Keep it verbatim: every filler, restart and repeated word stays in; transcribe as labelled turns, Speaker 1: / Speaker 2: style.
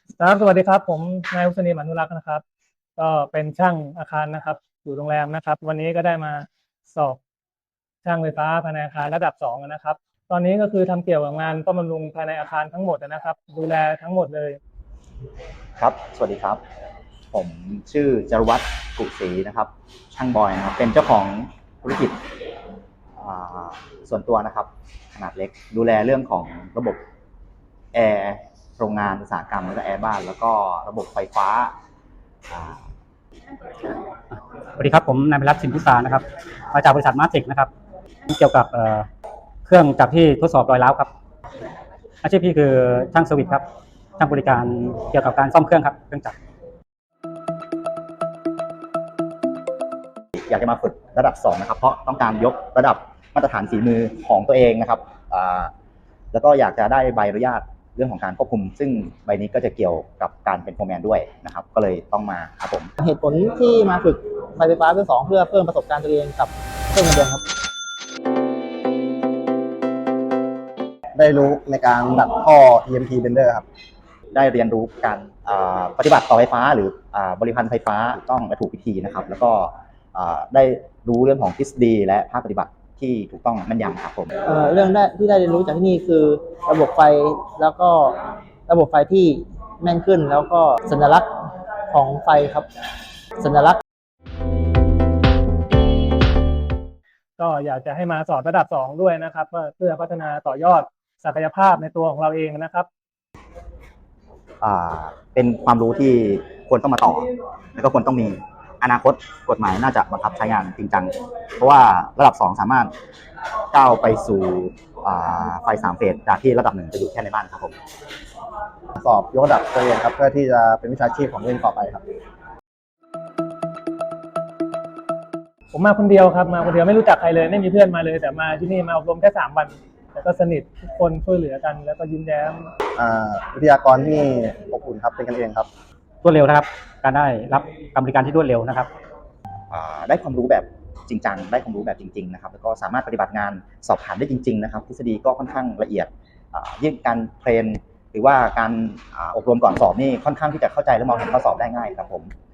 Speaker 1: ครับสวัสดีครับผมนายอุศนีอนุรักษ์นะครับก็เป็นช่างอาคารนะครับอยู่โรงแรมนะครับวันนี้ก็ได้มาสอบช่างไฟฟ้าภายในอาคารระดับสองนะครับตอนนี้ก็คือทำเกี่ยวกับงานซ่อมบำรุงภายในอาคารทั้งหมดนะครับดูแลทั้งหมดเลย
Speaker 2: ครับสวัสดีครับผมชื่อจรวัตรกุศรีนะครับช่างบอยนะครับเป็นเจ้าของธุรกิจส่วนตัวนะครับขนาดเล็กดูแลเรื่องของระบบแอร์โรงงานอุตสาหกรรมแล้วก็แอร์บ้านแล้วก็ระบบไฟฟ้า
Speaker 3: สวัสดีครับผมนายพิรัตน์สินพิสารนะครับมาจากบริษัทมาร์ติกนะครับเกี่ยวกับเครื่องจักรที่ทดสอบรอยร้าวครับอาชีพพี่คือช่างเซอร์วิสครับช่างบริการเกี่ยวกับการซ่อมเครื่องครับเครื่องจักร
Speaker 2: อยากจะมาฝึกระดับสองนะครับเพราะต้องการยกระดับมาตรฐานฝีมือของตัวเองนะครับแล้วก็อยากจะได้ใบอนุญาตเรื่องของการควบคุมซึ่งใบนี้ก็จะเกี่ยวกับการเป็นโฟร์แมนด้วยนะครับก็เลยต้องมาครับผม
Speaker 4: เหตุผลที่มาฝึกไฟฟ้าเบอร์สองเพื่อเพิ่มประสบการณ์ตัวเองกับเพิ่มเงินเดือนครับ
Speaker 5: ได้รู้ในการดัดท่อ อี เอ็ม ที Bender ครับ
Speaker 2: ได้เรียนรู้การปฏิบัติต่อไฟฟ้าหรือบริพันธ์ไฟฟ้าถูกต้องและถูกวิธีนะครับแล้วก็ได้รู้เรื่องของทฤษฎีและภาคปฏิบัติที่ถูกต้องแม่นยำครับผม
Speaker 4: เอ่อเรื่องได้ที่ได้เรียนรู้จากที่นี่คือระบบไฟแล้วก็ระบบไฟที่แม่นขึ้นแล้วก็สัญลักษณ์ของไฟครับสัญลักษณ์
Speaker 1: ก็อยากจะให้มาสอบระดับสองด้วยนะครับเพื่อพัฒนาต่อยอดศักยภาพในตัวของเราเองนะครับ
Speaker 2: เป็นความรู้ที่ควรต้องมาต่อแล้วก็ควรต้องมีอนาคตกฎหมายน่าจะบังคับใช้งานจริงจังเพราะว่าระดับสองสามารถก้าวไปสู่ไฟสามเฟสจากที่ระดับหนึ่งจะอยู่แค่ในบ้านครับผม
Speaker 5: สอบยกระดับตัวเองครับเพื่อที่จะเป็นวิชาชีพของตัวเองต่อไปครับ
Speaker 1: ผมมาคนเดียวครับมาคนเดียวไม่รู้จักใครเลยไม่มีเพื่อนมาเลยแต่มาที่นี่มาอบรมแค่สามวันแต่ก็สนิททุกคนช่วยเหลือกันแล้วก็ยิ้มแย้ม
Speaker 5: วิทยากรที่อบอุ่นครับเป็นกันเองครับ
Speaker 3: รวดเร็วนะครับการได้รับการบริการที่รวดเร็วนะครับ
Speaker 2: ได้ความรู้แบบจริงจังได้ความรู้แบบจริงๆนะครับแล้วก็สามารถปฏิบัติงานสอบผ่านได้จริงๆนะครับทฤษฎีก็ค่อนข้างละเอียดยิ่งการเทรนหรือว่าการอบรมก่อนสอบนี่ค่อนข้างที่จะเข้าใจและมองเห็นข้อสอบได้ง่ายครับผม